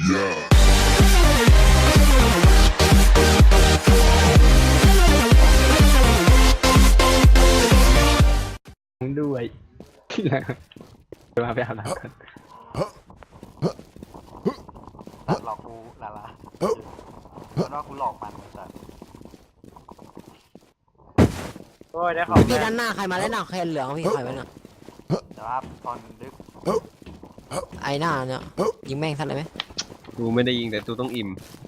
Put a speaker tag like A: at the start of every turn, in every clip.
A: ด้วยเดี๋ยวมาไปอาบน้ำกัน
B: ตัดหลอกกูลาลาเพราะว่ากูหลอกมันแต่
C: โอ้ยได้ของ
D: พี่ด้านหน้าใครมาแล้วหน้าแคนเหลืองพี่ใครไว้น่ะ
B: แต่ว่าตอนดึก
D: ไอ้หน้าเนี่ยยิงแม่งทันเลยไหม
E: กูไม่ได้ยิงแต่ตูต้องอิ่ม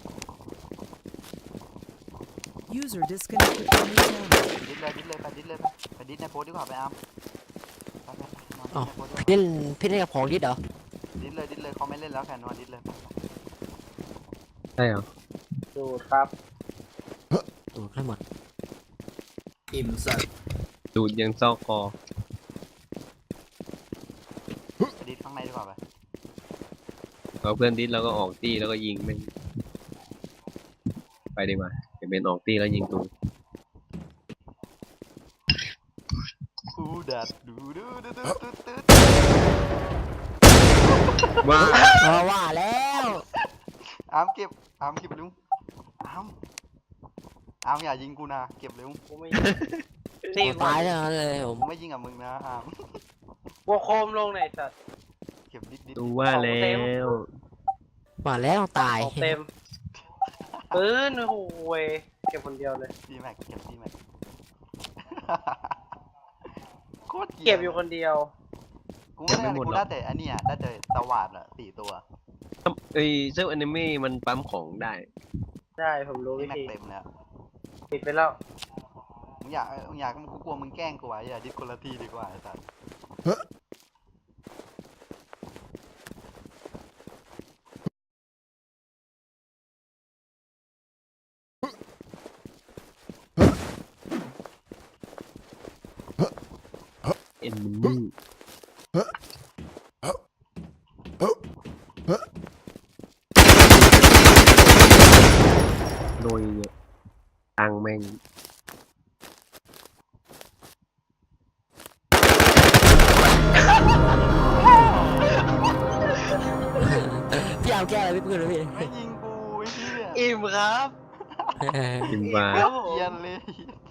F: User disconnected from your channel.
B: ดิดเลยไปดิดในโพสดีกว่าไปอาร์มไปนอนในโพสด้วย
D: เล่นพี่เล่นกับของดิดเหรอ
B: ดิดเลยเขาไม่เล่นแล้วแค่นอนดิดเลย
E: ใช่เหรอ
C: ดูครับ
D: ตูดให้หมด
E: ดูดยังซอกคอ
B: ไปดิดข้างในดีกว่าไป
E: เราเพื่อนดิสเราก็ออกตี้แล้วก็ยิงแม่งไปดีกว่าจะเป็นออกตี้แล้วยิงตู
B: ดูดัดดู
E: ว่า
D: ว่าแล้ว
B: อาร์มเก็บเร็วอาร์มอย่ายิงกูนะเก็บเร็ว
C: กูไม่
D: ตายแล้วเลยผม
B: กูไม่ยิงกับมึงนะอาร์ม
C: วัวโคมลงไหนสัตว์
B: เก็บดิด
E: ดูว่าแล้ว
D: ว่าแล้วตาย
C: ของเต็มปืนโอ้โหเว้ยเก็บคนเดียวเลย
B: ดีแม็กเก็บดีแม็กโคตร
C: เก็บอยู่คนเดียว
B: กูไม่ได้กูได้แต่อันเนี้ยได้แต่ตะวาดอะ4 ตัว
E: ไอ้เจ้าอนิเมะมันปั๊มของได้
C: ได้ผมรู้
B: ดี
C: วิ
B: แม็ก
C: ธี
B: เต็มแล้ว
C: ปิดไปแล้ว
B: มึงอยากกูกลัวมึงแกล้งกูไว้อย่าดิสคนละทีดีกว่าไอ้สัส
E: เอ็นมินี่โดยเนี่ยตังแม่ง
D: พี่เอาแก้อะไรพี่ปืนเลยพี่
B: ไม่ยิงกูไอ้เหี้ย
C: อิ่มครับ
E: กินปลา
C: ครับผม
B: เกรียนเลย